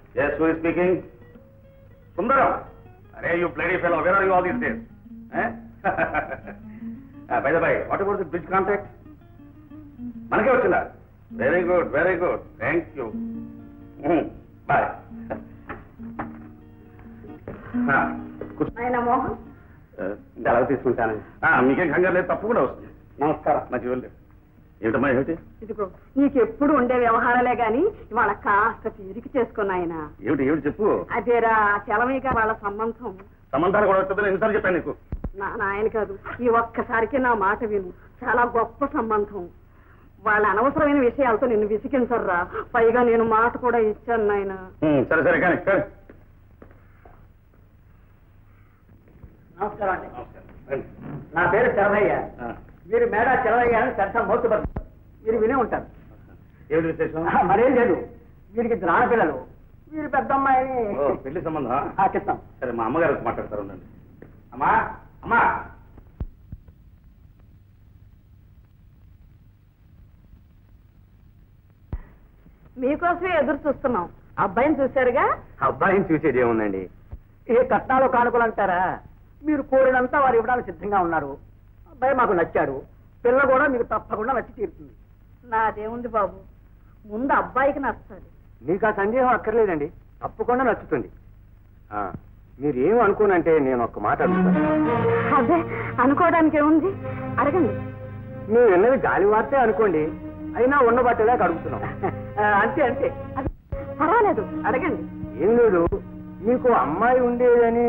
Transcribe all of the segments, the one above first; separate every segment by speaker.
Speaker 1: Yes, who is speaking? Sundaram. Arey, you bloody fellow, where are you all these days? Eh? By the way, what about the bridge contract? Manake vachina? Very good, very good. Thank you. Bye.
Speaker 2: ఆయన మోహన్
Speaker 1: అలా తీసుకుంటాను. మీకేం కంగారు లేదు, తప్పకుండా వస్తుంది. నమస్కారం. మంచి వెళ్ళి ఏమిటమ్మా ఏమిటి?
Speaker 2: ఇదిగో నీకెప్పుడు ఉండే వ్యవహారాలే గాని ఇవాళ కాస్త తీరిక చేసుకున్నాయన.
Speaker 1: ఏమిటి ఏమిటి చెప్పు.
Speaker 2: అదేరా చలమయ్య వాళ్ళ సంబంధం.
Speaker 1: సంబంధాలు కూడా వస్తుందని ఎన్నిసార్లు చెప్పాను నీకు?
Speaker 2: నాయన కాదు, ఈ ఒక్కసారికి నా మాట విను. చాలా గొప్ప సంబంధం. వాళ్ళ అనవసరమైన విషయాలతో నిన్ను విసిగించర్రా. పైగా నేను మాట కూడా ఇచ్చాను నాయన.
Speaker 1: సరే సరే కానీ
Speaker 3: నమస్కారం అండి. నా పేరు చలమయ్య. మీరు మేడా చలమయ్య అని పెద్ద మోతుబర్. మీరు వినే ఉంటారు.
Speaker 1: ఏమిటి విశేషం?
Speaker 3: మరేం లేదు, వీరికి ఆడపిల్లలు. మీరు పెద్ద అమ్మాయిని
Speaker 1: పెళ్లి సంబంధం
Speaker 3: చెప్తాం.
Speaker 1: సరే మా అమ్మగారు మాట్లాడతారు. ఉండండి. అమ్మా అమ్మా
Speaker 2: మీకోసమే ఎదురు చూస్తున్నాం. అబ్బాయిని చూశారుగా?
Speaker 1: అబ్బాయిని చూసేది ఏముందండి?
Speaker 3: ఏ కట్నాలు కానుకలు అంటారా? మీరు కోరినంతా వారు ఇవ్వడానికి సిద్ధంగా ఉన్నారు. అబ్బాయి మాకు నచ్చాడు. పిల్ల కూడా మీకు తప్పకుండా నచ్చి తీరుతుంది.
Speaker 2: నాదేముంది బాబు, ముందు అబ్బాయికి నచ్చాలి.
Speaker 3: మీకు ఆ సందేహం అక్కర్లేదండి, తప్పకుండా నచ్చుతుంది. మీరు ఏం అనుకోనంటే నేను ఒక్క మాట అడుగుతాను.
Speaker 2: అదే అనుకోవడానికి ఏముంది, అడగండి.
Speaker 3: మీరు విన్నది గాలి వార్తే అనుకోండి, అయినా ఉండబట్టేదాకా అడుగుతున్నాం. అంతే అంతే.
Speaker 2: పర్వాలేదు, అడగండి.
Speaker 3: ఏం లేదు, మీకు అమ్మాయి ఉండేదని.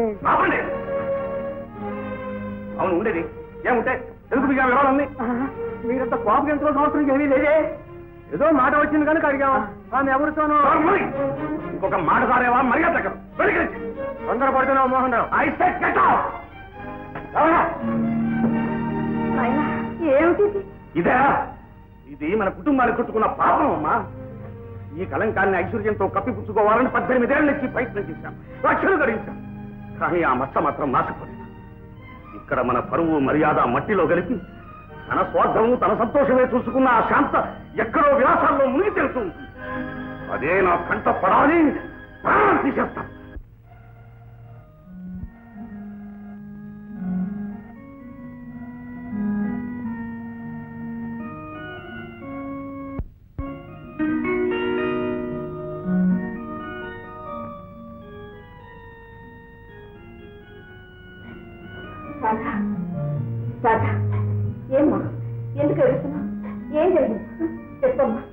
Speaker 1: అవును ఉండేది. ఏముంటే ఎందుకు మీకు వివరాలన్నీ?
Speaker 3: మీరంత కోపం ఎంచుకోవాల్సిన అవసరం ఏమీ లేదే. ఏదో మాట వచ్చింది కనుక అడిగావా. ఆమె ఎవరితోనో.
Speaker 1: ఇంకొక మాట సారేవా మర్యాద
Speaker 3: తొందరపడుతున్నావు మోహన్ రావు.
Speaker 2: ఏమిటి
Speaker 1: ఇదే? ఇది మన కుటుంబాన్ని చుట్టుకున్న పాపం అమ్మా. ఈ కలంకాన్ని ఐశ్వర్యంతో కప్పిపుచ్చుకోవాలని 18 ఏళ్ల నుంచి ప్రయత్నం చేశాం, లక్షలు గడించాం. కానీ ఆ మచ్చ మాత్రం నాశపోలేదు. ఇక్కడ మన పరువు మర్యాద మట్టిలో కలిపి తన స్వార్థము తన సంతోషమే చూసుకున్న ఆ శాంత ఎక్కడో విలాసాల్లో మునిగి తెలుస్తూ ఉంటుంది. అదే నా కంట పడాలి, ప్రాణం తీసేస్తాం.
Speaker 2: ఏమ్మా, ఎందుకు ఏడుస్తున్నా? ఏం జరిగింది చెప్పమ్మా.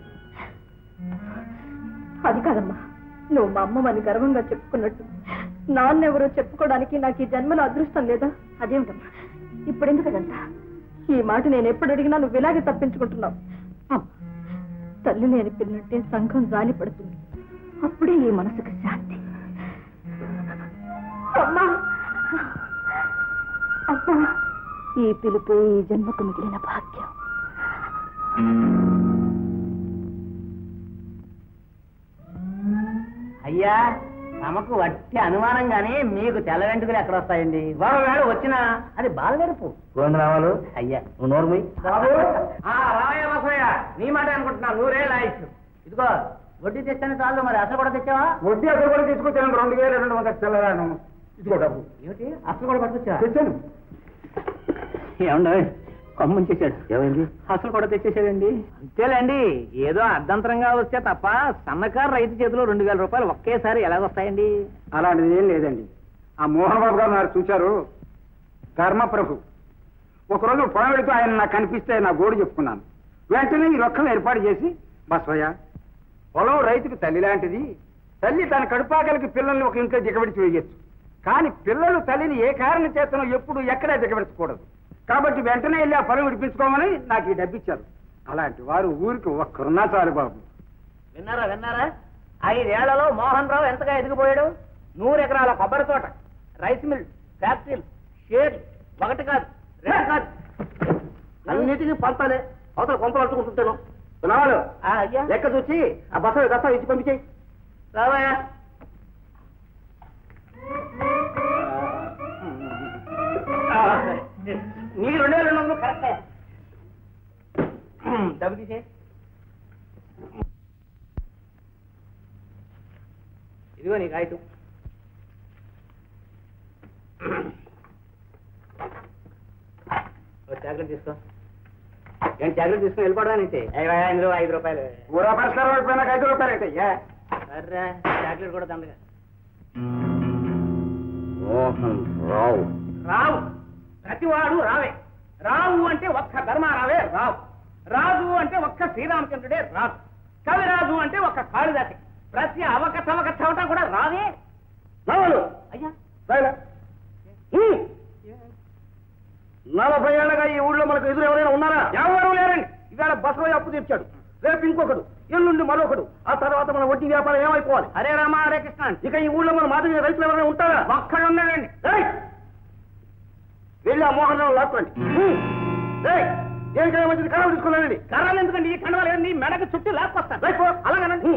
Speaker 2: అది కాదమ్మా, నువ్వు మా అమ్మమ్మని గర్వంగా చెప్పుకున్నట్టు నాన్నెవరో చెప్పుకోవడానికి నాకు ఈ జన్మలో అదృష్టం లేదా? అదేమిటమ్మా ఇప్పుడు ఎందుకంతా? ఈ మాట నేను ఎప్పుడు అడిగినా నువ్వు ఇలాగే తప్పించుకుంటున్నావు. తల్లి లేని పిల్లంటే సంఘం జాలి పడుతుంది, అప్పుడే ఈ మనసుకు శాంతి. అమ్మా అమ్మా, ఈ పిలుపే ఈ జన్మకు మిగిలిన భాగ్యం.
Speaker 3: అయ్యా, తమకు వట్టి అనుమానంగానే మీకు తెల్ల వెంట్రుకలు ఎక్కడ వస్తాయండి? ఒకవేళ వచ్చినా అది బాలగరుపు. గోవిందరావాలు అయ్యా, నువ్వు నోరుమూయి. బాబు రావయ్య బసయ్య, నీ మాట అనుకుంటున్నా. 100 ఏళ్ళ ఆయుష్. ఇదిగో వడ్డీ తెచ్చాను చాలు, మరి అసలు కూడా తెచ్చావా?
Speaker 1: వడ్డీ అసలు కూడా తీసుకొచ్చాను. 2200 తెల్లరాను. ఇదిగో డబ్బు.
Speaker 3: ఏమిటి అసలు కూడా పట్టుకొచ్చా?
Speaker 1: తెచ్చాను.
Speaker 3: ఏమండి కమ్ముని చేశాడు.
Speaker 1: ఏమైంది?
Speaker 3: అసలు కూడా తెచ్చేసాడండి. అంతేలేండి, ఏదో అర్ధంతరంగా వస్తే తప్ప సన్నకారు రైతు చేతిలో 2000 రూపాయలు ఒకేసారి ఎలాగొస్తాయండి?
Speaker 1: అలాంటిది ఏం లేదండి. ఆ మోహన్ బాబు గారు నాకు చూశారు, ధర్మప్రభు. ఒకరోజు పొలం వెళుతూ ఆయన నాకు కనిపిస్తే నా గోడు చెప్పుకున్నాను. వెంటనే ఈ రొక్కం ఏర్పాటు చేసి, బస్వయ్య, పొలం రైతుకు తల్లి లాంటిది. తల్లి తన కడుపాకలకి పిల్లల్ని ఒక ఇంట్లో దిగబెడిచి వేయచ్చు, కానీ పిల్లలు తల్లిని ఏ కారణం చేతనో ఎప్పుడు ఎక్కడా దిగబెట్టకూడదు. కాబట్టి వెంటనే వెళ్ళి ఆ పొలం విడిపించుకోమని నాకు ఈ డబ్బిచ్చారు. అలాంటి వారు ఊరికి ఒక్కరున్నా చాలు బాబు.
Speaker 3: విన్నారా విన్నారా? 5 ఏళ్లలో మోహన్ రావు ఎంతగా ఎదిగిపోయాడు. 100 ఎకరాల కొబ్బరి తోట, రైస్ మిల్, ఫ్యాక్టరీలు, షేర్లు, 1 కాదు 2 కాదు, అన్నిటికీ పంపాలి. అవతల కొంపలు అట్టుకుంటుంటాను. అయ్యా, లెక్క చూసి ఆ బస్సు దస్తా ఇచ్చి పంపించేయి. రావయ్యా. నీ 2200 కరెక్టే. డబ్బు తీసే. ఇదిగో నీ కాగితం. చాక్లెట్ తీసుకో. ఏం చాక్లెట్ తీసుకుని వెళ్ళిపోవడానికి? ఇందులో 5 రూపాయలు.
Speaker 1: ఊరా పరిష్కారం అయిపోయినా 5 రూపాయలు అయితే
Speaker 3: సరే చాక్లెట్ కూడా దండగా.
Speaker 1: మోహన్ రావు.
Speaker 3: రావు ప్రతివాడు రావే. రావు అంటే ఒక్క ధర్మారావే రావు. రాజు అంటే ఒక్క శ్రీరామచంద్రుడే రాజు. కవిరాజు అంటే ఒక్క కాళిదాసి. ప్రతి అవకతవక చవట కూడా రావే. అయ్యా
Speaker 1: 40 ఏళ్ళగా ఈ ఊళ్ళో మనకు ఎదురు ఎవరైనా ఉన్నారా? ఎవరు లేరండి. ఇవాళ బసవయ్య అప్పు తీర్చాడు, రేపు ఇంకొకడు, ఎల్లుండి మరొకడు, ఆ తర్వాత మన వడ్డీ వ్యాపారం ఏమైపోవాలి?
Speaker 3: హరే రామ హరే కృష్ణ.
Speaker 1: ఇక ఈ ఊళ్ళో మన మాదిరి రైతులు ఎవరైనా ఉంటారా?
Speaker 3: ఒక్కడు ఉన్నాడండి.
Speaker 1: వెళ్ళి ఆ మోహన్ రావు లాక్కోండి. దేనికైనా మంచిది కర్రలు తీసుకున్నానండి.
Speaker 3: కర్రలు ఎందుకండి? ఈ కండవాళ్ళు నీ మెడకు చుట్టూ లాక్కొస్తాను. అలాగేనండి.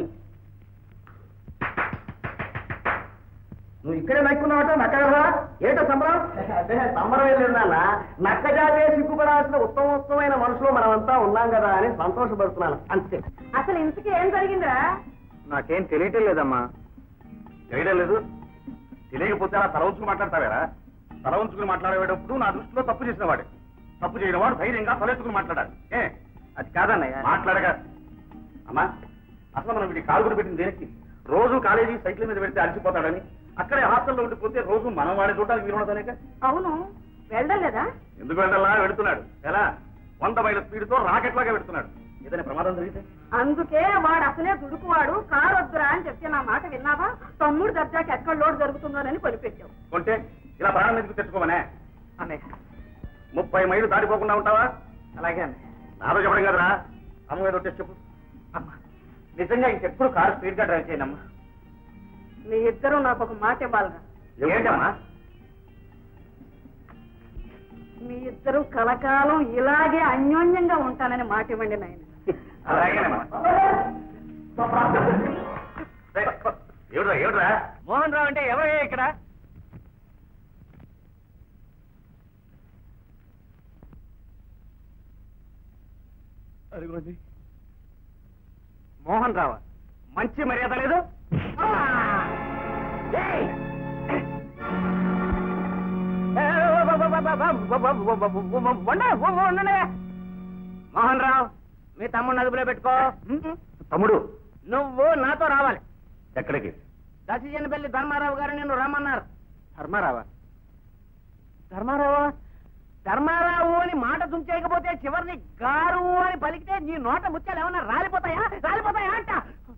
Speaker 1: నువ్వు ఇక్కడే నక్కున్నావట నక్కగలరా? ఏటో సంబరం? సంబరం వెళ్ళిందన్న. నక్క జాతే సిగ్గుపడాల్సిన ఉత్తమోత్తమైన మనుషులు మనమంతా ఉన్నాం కదా అని సంతోషపడుతున్నాను అంతే.
Speaker 2: అసలు ఇంతకీ ఏం జరిగిందిరా?
Speaker 1: నాకేం తెలియటం లేదమ్మా. తెలియడం లేదు? తెలియకపోతే అలా తల ఉంచుకుని మాట్లాడతావేరా? తల ఉంచుకుని మాట్లాడేటప్పుడు నా దృష్టిలో తప్పు చేసిన వాడే. తప్పు చేయడం వాడు ధైర్యంగా తలెత్తుకుని మాట్లాడాలి. అది కాదన్నయ్య మాట్లాడగా. అమ్మా అసలు మనం వీడి కాలు కూడా పెట్టింది దేనికి? రోజు కాలేజీ సైకిల్ మీద పెడితే అలసిపోతాడని, అక్కడే హాస్టల్లో ఉండిపోతే రోజు మనం వాడే చూడడానికి వీలు ఉండదనేక.
Speaker 2: అవును, వెళ్ళలేదా?
Speaker 3: ఎందుకు వెళ్ళాలా? వెళుతున్నాడు. ఎలా? 100 మైళ్ళ స్పీడ్తో రాకెట్ లాగా పెడుతున్నాడు. ఏదైనా ప్రమాదం జరిగితే?
Speaker 2: అందుకే వాడు అసలే దుడుకువాడు. కారు వద్దురా అని చెప్తే నా మాట విన్నావా? తమ్ముడు దర్జాకి ఎక్కడ లోటు జరుగుతుందోనని కొనిపెట్టావు.
Speaker 3: కొంటే ఇలా ప్రాణం ఎందుకు తెచ్చుకోమనే అన్నయ్య. 30 మైళ్ళు దాటిపోకుండా ఉంటావా? అలాగే అన్నయ్య. నాతో చెప్పడం కదరా, అమ్మ మీద వచ్చేసి చెప్పు. అమ్మా నిజంగా ఇంకెప్పుడు కారు స్పీడ్ గా డ్రైవ్ చేయనమ్మా.
Speaker 2: మీ ఇద్దరు నాకు ఒక మాట ఇవ్వాలరా.
Speaker 3: ఏంటమ్మా?
Speaker 2: మీ ఇద్దరు కలకాలం ఇలాగే అన్యోన్యంగా ఉంటానని మాట ఇవ్వండి నాయన.
Speaker 3: అలాగేనమ్మా. ఏడురా ఏడురా? మోహన్ రావు అంటే ఎవరయ్యా ఇక్కడ? అదిగోండి మోహన్ రావు. మంచి మర్యాద లేదు. మోహన్ రావు మీ తమ్ముడు అదుపులో పెట్టుకో.
Speaker 1: తమ్ముడు
Speaker 3: నువ్వు నాతో రావాలి.
Speaker 1: ఎక్కడికి?
Speaker 3: దశజనపల్లి ధర్మారావు గారు నిన్ను రమ్మన్నారు.
Speaker 1: ధర్మారావా?
Speaker 3: ధర్మారావా? ధర్మారావు అని మాట తుంచేయకపోతే చివరిని గారు అని పలికితే నీ నోట ముత్యాలు ఏమన్నా రాలిపోతాయా? రాలిపోతాయా అంట.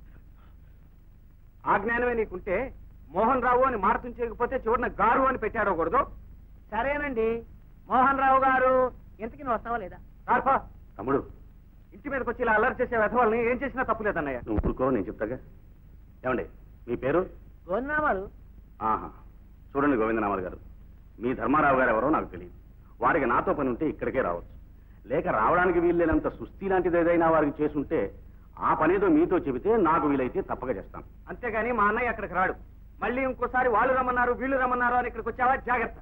Speaker 1: ఆ జ్ఞానమే నీకుంటే మోహన్ రావు అని మాట తుంచేయకపోతే చివరిన గారు అని పెట్టాడకూడదు.
Speaker 3: సరేనండి మోహన్ రావు గారు, ఇంతకి నువ్వు వస్తావా లేదా?
Speaker 1: తమ్ముడు ఇంటి మీదకి వచ్చి ఇలా అల్లరి చేసే వెధవాళ్ళని ఏం చేసినా తప్పు లేదన్నయ్య. నువ్వు ఊరుకో, నేను చెప్తాగా. ఏమండి మీ పేరు?
Speaker 3: గోవిందనామాలు.
Speaker 1: ఆహా, చూడండి గోవిందనామాలు గారు, మీ ధర్మారావు గారు ఎవరో నాకు తెలియదు. వారికి నాతో పని ఉంటే ఇక్కడికే రావచ్చు. లేక రావడానికి వీల్లేనంత సుస్థి లాంటిది ఏదైనా వారికి చేసుంటే ఆ పనేదో మీతో చెబితే నాకు వీలైతే తప్పక చేస్తాను. అంతేగాని మా అన్నయ్య అక్కడికి రాడు. మళ్ళీ ఇంకోసారి వాళ్ళు రమ్మన్నారు వీళ్ళు రమ్మన్నారు అని ఇక్కడికి వచ్చావా జాగ్రత్త.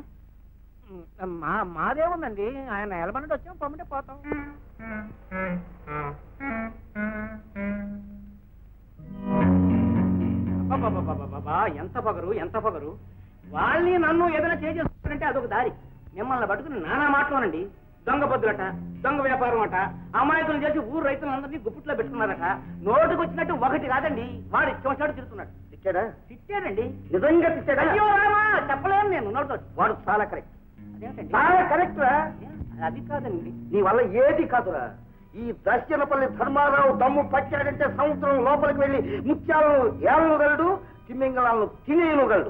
Speaker 3: మాదే ఉందండి, ఆయన ఎలమన్నట్టు వచ్చాం, పొమ్మంటే పోతాం. ఎంత పొగరు, ఎంత పొగరు. వాళ్ళని నన్ను ఏదైనా చేసేస్తారంటే అదొక దారి. మిమ్మల్ని పట్టుకుని నానా మాటలోనండి. దొంగ పొద్దులట, దొంగ వ్యాపారం అట, అమాయకులు చేసి ఊరు రైతులందరినీ గుప్పిట్లో పెట్టుకున్నారట. నోటుకు వచ్చినట్టు ఒకటి కాదండి, వాడు ఇష్టం తిడుతున్నాడు.
Speaker 1: తిట్టాడా?
Speaker 3: తిట్టాడండి.
Speaker 1: నిజంగా తిట్టాడా?
Speaker 3: అయ్యో రామా, చెప్పలేను నేను నోటితో.
Speaker 1: వాడు చాలా కరెక్ట్.
Speaker 3: అదేంటండి?
Speaker 1: చాలా కరెక్ట్ రా.
Speaker 3: అది కాదండి.
Speaker 1: నీ వల్ల ఏది కాదురా. ఈ దర్శనపల్లి ధర్మారావు దమ్ము పట్టాడంటే సముద్రం లోపలికి వెళ్ళి ముత్యాలను ఏలనుగలడు, తిమ్మింగళాలను తినేయనుగలడు.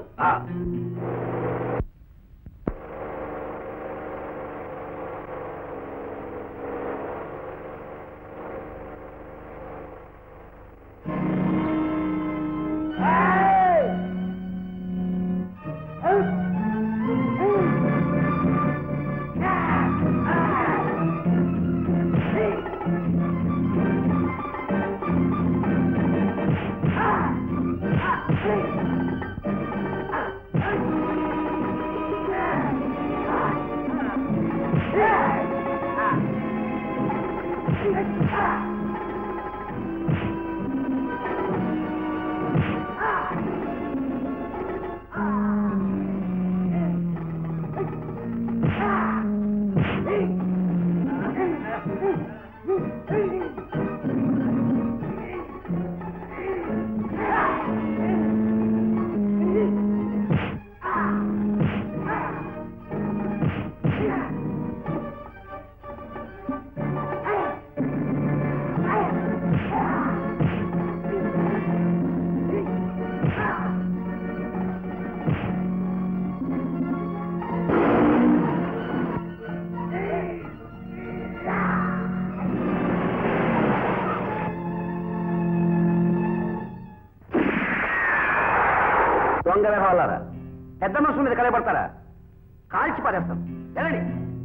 Speaker 3: దొంగ వ్యవహారారా పెద్ద మనుషుల మీద కలయబడతారా కాల్చి పారేస్తాం వెళ్ళండి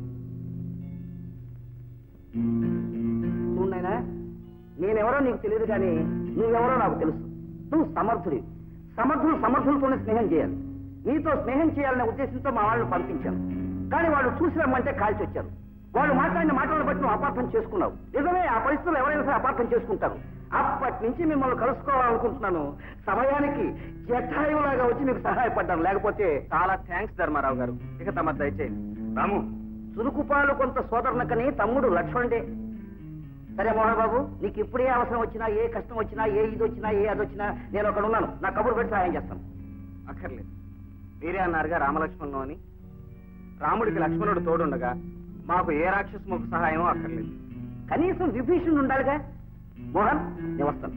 Speaker 3: చూడైనా నేనెవరో నీకు తెలియదు కానీ నువ్వెవరో నాకు తెలుసు నువ్వు సమర్థుడి సమర్థులతోనే స్నేహం చేయాలి నీతో స్నేహం చేయాలనే ఉద్దేశంతో మా వాళ్ళని పంపించాను కానీ వాళ్ళు చూసి రమ్మంటే కాల్చి వచ్చారు వాళ్ళు మాట్లాడిన మాటలను బట్టి నువ్వు అపార్థం చేసుకున్నావు నిజమే ఆ పరిస్థితులు ఎవరైనా సరే అపార్థం చేసుకుంటారు అప్పటి నుంచి మిమ్మల్ని కలుసుకోవాలనుకుంటున్నాను సమయానికి జటాయువులాగా వచ్చి మీకు సహాయపడ్డాను లేకపోతే చాలా థ్యాంక్స్ ధర్మారావు గారు ఇక తమ దయచేయండి రాము చురుకుపాలు కొంత సోదరునకని తమ్ముడు లక్ష్మణుడే సరే మోహన్ బాబు నీకు ఇప్పుడే అవసరం వచ్చినా ఏ కష్టం వచ్చినా ఏ ఇది వచ్చినా ఏ అది వచ్చినా నేను అక్కడ ఉన్నాను నా కబురు పెట్టి సహాయం చేస్తాను అక్కర్లేదు మీరే అన్నారుగా రామలక్ష్మణులు అని రాముడికి లక్ష్మణుడు తోడుండగా మాకు ఏ రాక్షసముఖ సహాయం అక్కర్లేదు కనీసం విభీషణుడు ఉండాలిగా మోహన్ నేను వస్తాను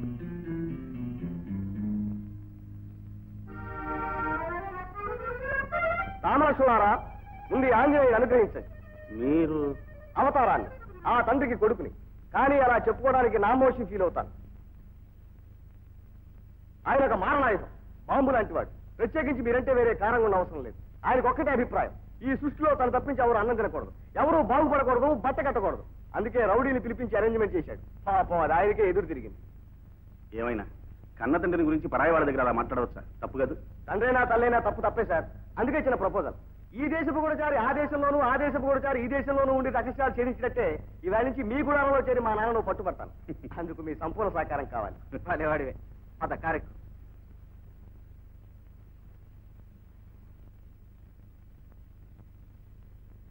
Speaker 4: రామలక్ష్మణారా ముందు ఆంజనేయుడు అనుగ్రహించండి మీరు అవతారాన్ని ఆ తండ్రికి కొడుకుని కానీ అలా చెప్పుకోవడానికి నామోషి ఫీల్ అవుతాను ఆయన ఒక మారణాయుధం బాంబు లాంటి వాడు ప్రత్యేకించి మీరంటే వేరే కారణంగా ఉన్న అవసరం లేదు ఆయనకు ఒక్కటే అభిప్రాయం ఈ సృష్టిలో తను తప్పించి ఎవరు అన్నం తినకూడదు ఎవరు బాగుపడకూడదు బట్ట కట్టకూడదు అందుకే రౌడీని పిలిపించి అరేంజ్మెంట్ చేశాడు పాపం అది ఆయనకే ఎదురు తిరిగింది
Speaker 5: ఏమైనా కన్న తండ్రిని గురించి పరాయి వాళ్ళ దగ్గర అలా మాట్లాడవచ్చా తప్పు కాదు
Speaker 4: తండ్రైనా తల్లైనా తప్పే సార్ అందుకే చిన్న ప్రపోజల్ ఈ దేశపు గూఢచారి ఆ దేశంలోనూ ఆ దేశపు గూఢచారి ఈ దేశంలోనూ ఉండి రహస్యాలు ఛేదించినట్టే ఇవాళ నుంచి మీ గుడారంలో చేరి మా నాన్నను పట్టుబడతాను అందుకు మీ సంపూర్ణ సహకారం కావాలి
Speaker 3: వాడివే అద కార్యక్రమం